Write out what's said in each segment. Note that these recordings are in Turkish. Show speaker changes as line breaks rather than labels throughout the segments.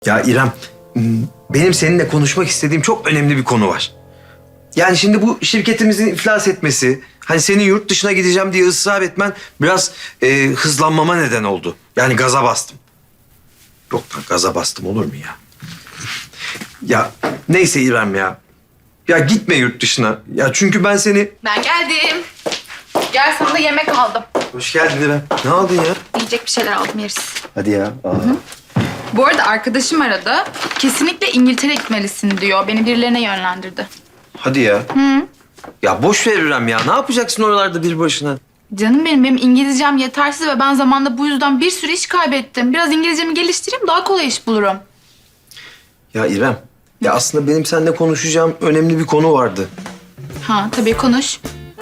Ya İrem, benim seninle konuşmak istediğim çok önemli bir konu var. Yani şimdi bu şirketimizin iflas etmesi, hani senin yurt dışına gideceğim diye ısrar etmen biraz hızlanmama neden oldu. Yani gaza bastım. Yok lan gaza bastım olur mu ya? Ya neyse İrem ya. Ya gitme yurt dışına. Ya çünkü ben seni...
Ben geldim. Gel sana da yemek aldım.
Hoş geldin İrem. Ne aldın ya?
Yiyecek bir şeyler aldım yeriz.
Hadi ya.
Bu arada arkadaşım aradı. Kesinlikle İngiltere gitmelisin diyor. Beni birilerine yönlendirdi.
Hadi ya. Ya boş ver İrem ya. Ne yapacaksın oralarda bir başına?
Canım benim İngilizcem yetersiz ve ben zamanında bu yüzden bir sürü iş kaybettim. Biraz İngilizcemi geliştireyim daha kolay iş bulurum.
Ya İrem, ya aslında benim seninle konuşacağım önemli bir konu vardı.
Ha tabii konuş.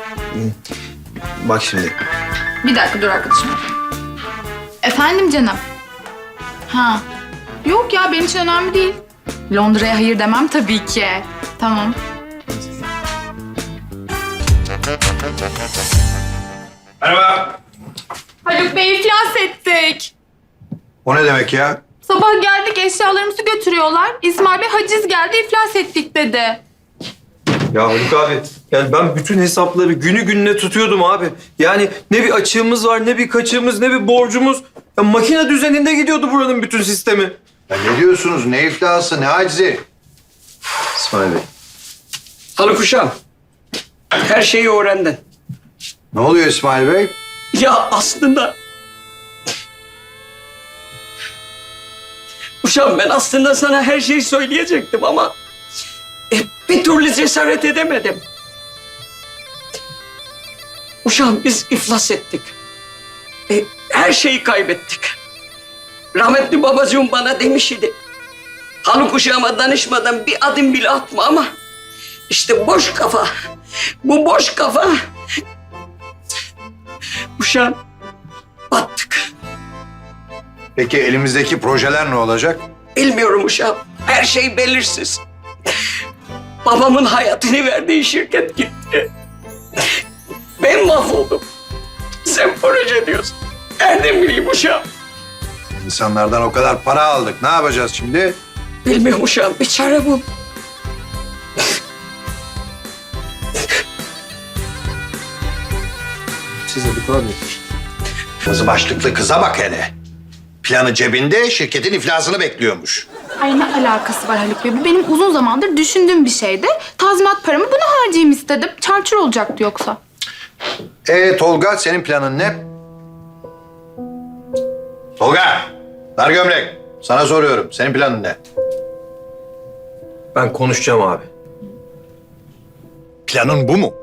Bak şimdi.
Bir dakika dur arkadaşım. Efendim canım. Ha. Yok ya benim için önemli değil. Londra'ya hayır demem tabii ki. Tamam.
Merhaba.
Haluk Bey iflas ettik.
O ne demek ya?
Sabah geldik eşyalarımızı götürüyorlar. İsmail Bey haciz geldi iflas ettik dedi.
Ya Haluk abi, yani ben bütün hesapları günü gününe tutuyordum abi. Yani ne bir açığımız var, ne bir kaçığımız, ne bir borcumuz. Ya makine düzeninde gidiyordu buranın bütün sistemi.
Ya ne diyorsunuz? Ne iflası, ne acizi?
İsmail Bey.
Haluk Uşağım, her şeyi öğrendin.
Ne oluyor İsmail Bey?
Ya aslında... Uşağım ben aslında sana her şeyi söyleyecektim ama... bir türlü cesaret edemedim. Uşağım biz iflas ettik. Her şeyi kaybettik. Rahmetli babacığım bana demiş idi. Haluk Uşağıma danışmadan bir adım bile atma ama... işte boş kafa. Bu boş kafa... Uşağım battık.
Peki elimizdeki projeler ne olacak?
Bilmiyorum uşağım. Her şey belirsiz. Babamın hayatını verdiği şirket gitti. Ben mahvoldum. Sen proje diyorsun. Nereden bileyim uşağım?
İnsanlardan o kadar para aldık. Ne yapacağız şimdi?
Bilmiyorum uşağım. Bir çare bul.
Siz Haluk abi.
Kızı başlıklı kıza bak hele. Planı cebinde, şirketin iflasını bekliyormuş.
Ay ne alakası var Haluk Bey? Bu benim uzun zamandır düşündüğüm bir şeydi. Tazminat paramı buna harcayayım istedim. Çarçur olacaktı yoksa.
Tolga, senin planın ne? Tolga, dar gömlek. Sana soruyorum, senin planın ne?
Ben konuşacağım abi.
Planın bu mu?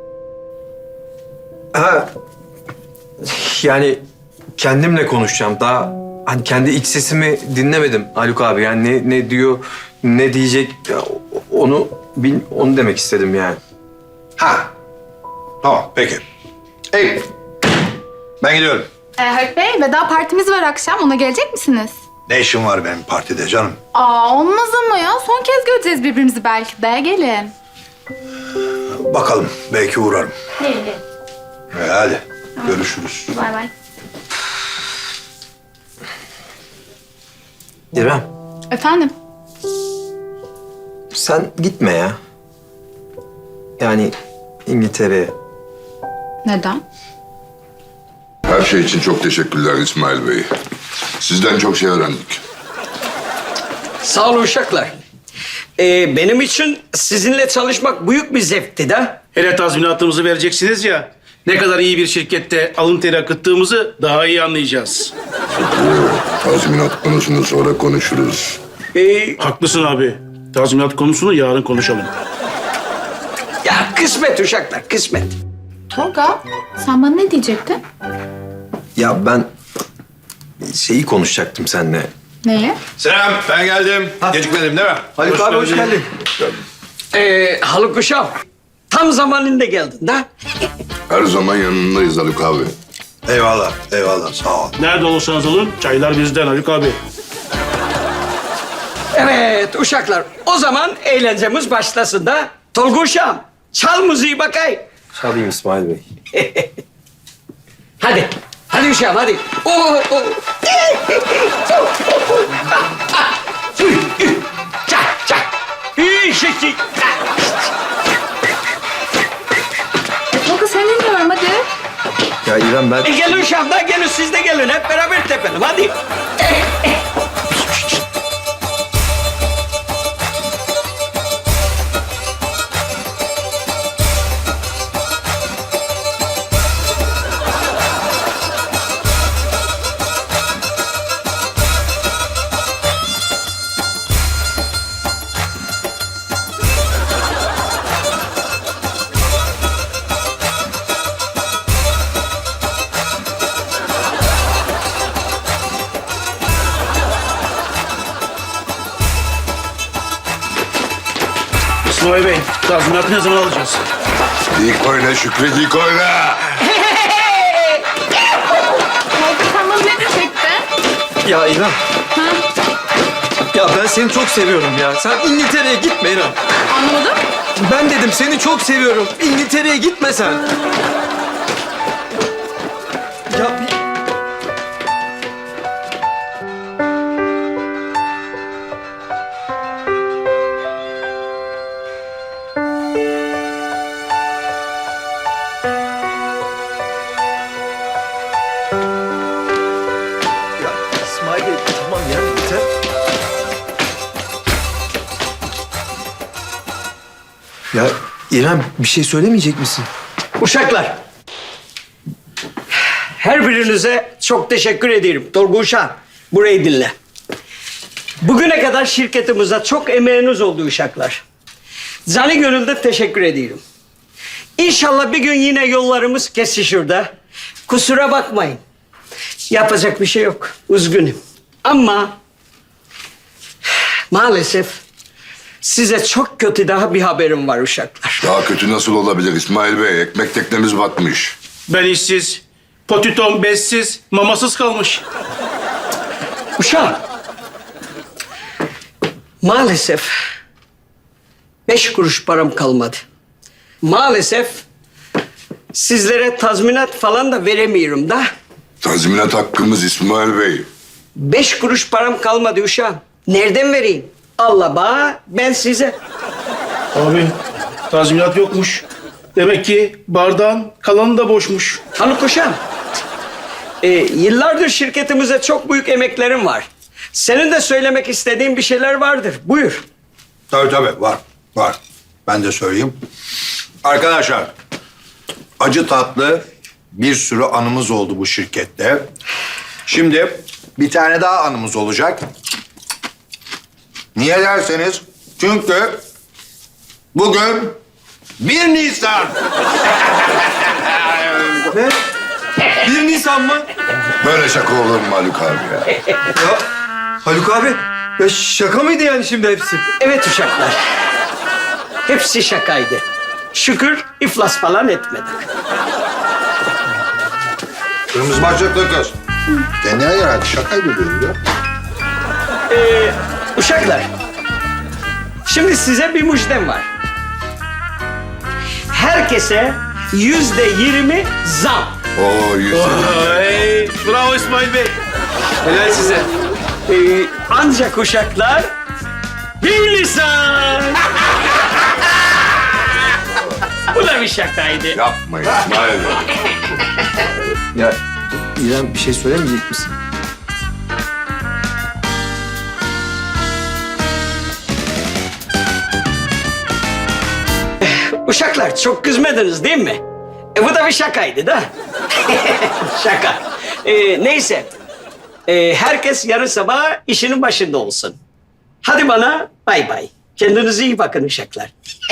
Ha, yani kendimle konuşacağım. Daha hani kendi iç sesimi dinlemedim Haluk abi. Yani ne diyor, ne diyecek ya, onu demek istedim yani.
Ha, tamam, peki. Hey, ben gidiyorum.
Haluk Bey veda partimiz var akşam. Ona gelecek misiniz?
Ne işin var benim partide canım?
Olmaz ama ya. Son kez göreceğiz birbirimizi belki de. Gelin.
Bakalım, belki uğrarım.
Gelin.
Hadi, görüşürüz.
Bay bay.
İrem,
Efendim?
sen gitme ya. Yani İngiltere'ye.
Neden?
Her şey için çok teşekkürler İsmail Bey. Sizden çok şey öğrendik.
Sağ olun uşaklar. Benim için sizinle çalışmak büyük bir zevkti de.
Hele tazminatımızı vereceksiniz ya. Ne kadar iyi bir şirkette alın teri akıttığımızı daha iyi anlayacağız.
Tazminat konusunu sonra konuşuruz.
Haklısın abi. Tazminat konusunu yarın konuşalım.
Ya kısmet uşaklar, kısmet.
Tolga, sen bana ne diyecektin?
Ya ben şeyi konuşacaktım seninle.
Neyi?
Selam, ben geldim. Gecikmedim değil mi?
Haluk abi hoş geldin.
Haluk Uşağım, tam zamanında geldin de.
Her zaman yanındayız Haluk abi.
Eyvallah, eyvallah. Sağ ol.
Nerede olursanız olun çaylar bizden Haluk abi.
Evet uşaklar, o zaman eğlencemiz başlasın da. Tolga Uşağım, çal müziği bakay.
Çalayım İsmail Bey.
Hadi, hadi Uşağım hadi. eşekçi.
Tolga seni dinliyorum hadi.
Ya İrem ben...
Gelin Şahda gelin siz de gelin hep beraber tepelim hadi.
İsmail Bey, tazminatı ne zaman alacağız?
İlk oyna Şükrü, ilk oyna.
Tolga sen bana ne diyecektin?
Ya İrem. Ya ben seni çok seviyorum ya. Sen İngiltere'ye gitme İrem.
Anlamadım.
Ben dedim seni çok seviyorum. İngiltere'ye gitme sen. Ya bir... Ya İsmail Bey, tamam ya yeter. Ya İrem bir şey söylemeyecek misin?
Uşaklar. Her birinize çok teşekkür ederim. Tolga Uşak, burayı dinle. Bugüne kadar şirketimize çok emeğiniz oldu uşaklar. Canı gönülden teşekkür ediyorum. İnşallah bir gün yine yollarımız kesişir de. Kusura bakmayın. Yapacak bir şey yok. Üzgünüm. Ama maalesef size çok kötü daha bir haberim var uşaklar.
Daha kötü nasıl olabilir İsmail Bey? Ekmek teknemiz batmış.
Ben işsiz, potitom bezsiz, mamasız kalmış.
Uşağım. Maalesef 5 kuruş param kalmadı. Maalesef sizlere tazminat falan da veremiyorum da.
Tazminat hakkımız İsmail Bey.
5 kuruş param kalmadı uşağım. Nereden vereyim? Allah bana, ben size.
Abi, tazminat yokmuş. Demek ki bardağın kalanı da boşmuş.
Hanım uşağım. Yıllardır şirketimize çok büyük emeklerim var. Senin de söylemek istediğin bir şeyler vardır. Buyur.
Tabii var. Ben de söyleyeyim. Arkadaşlar, acı tatlı bir sürü anımız oldu bu şirkette. Şimdi bir tane daha anımız olacak. Niye derseniz, çünkü bugün 1 Nisan.
Ne? 1 Nisan mı?
Böyle şaka olur mu Haluk abi ya?
Ya Haluk abi, ya şaka mıydı yani şimdi hepsi?
Evet uşaklar. Hepsi şakaydı. Şükür iflas falan etmedik.
Kırmızı başlıklı kız. Kendine gel hadi, şakaydı diyorum ya.
Uşaklar. Şimdi size bir müjdem var. Herkese %20 zam.
Oo, yüzüm.
Ay, bravo İsmail Bey. Helal size.
Ancak uşaklar 1 Nisan. Bu da bir şakaydı.
Yapma İsmail Bey.
Ya İrem bir şey söylemeyecek misin?
Uşaklar çok kızmadınız değil mi? Bu da bir şakaydı da. Şaka. Neyse. Herkes yarın sabah işinin başında olsun. Hadi bana bay bay. Kendinize iyi bakın uşaklar.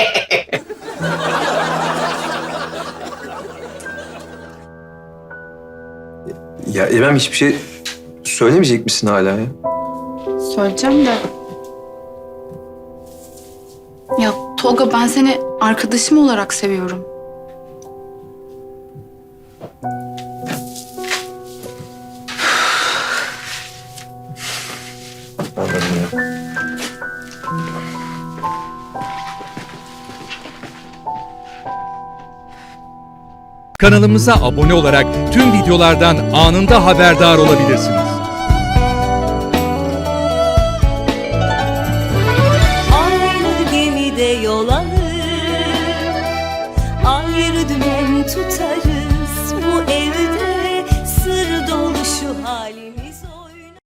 Ya İrem hiçbir şey söylemeyecek misin hala ya?
Söyleyeceğim de. Ya Tolga ben seni arkadaşım olarak seviyorum.
Kanalımıza abone olarak tüm videolardan anında haberdar olabilirsiniz.
Aynı gemide yol alır. Ayrı dümen tutarız bu evde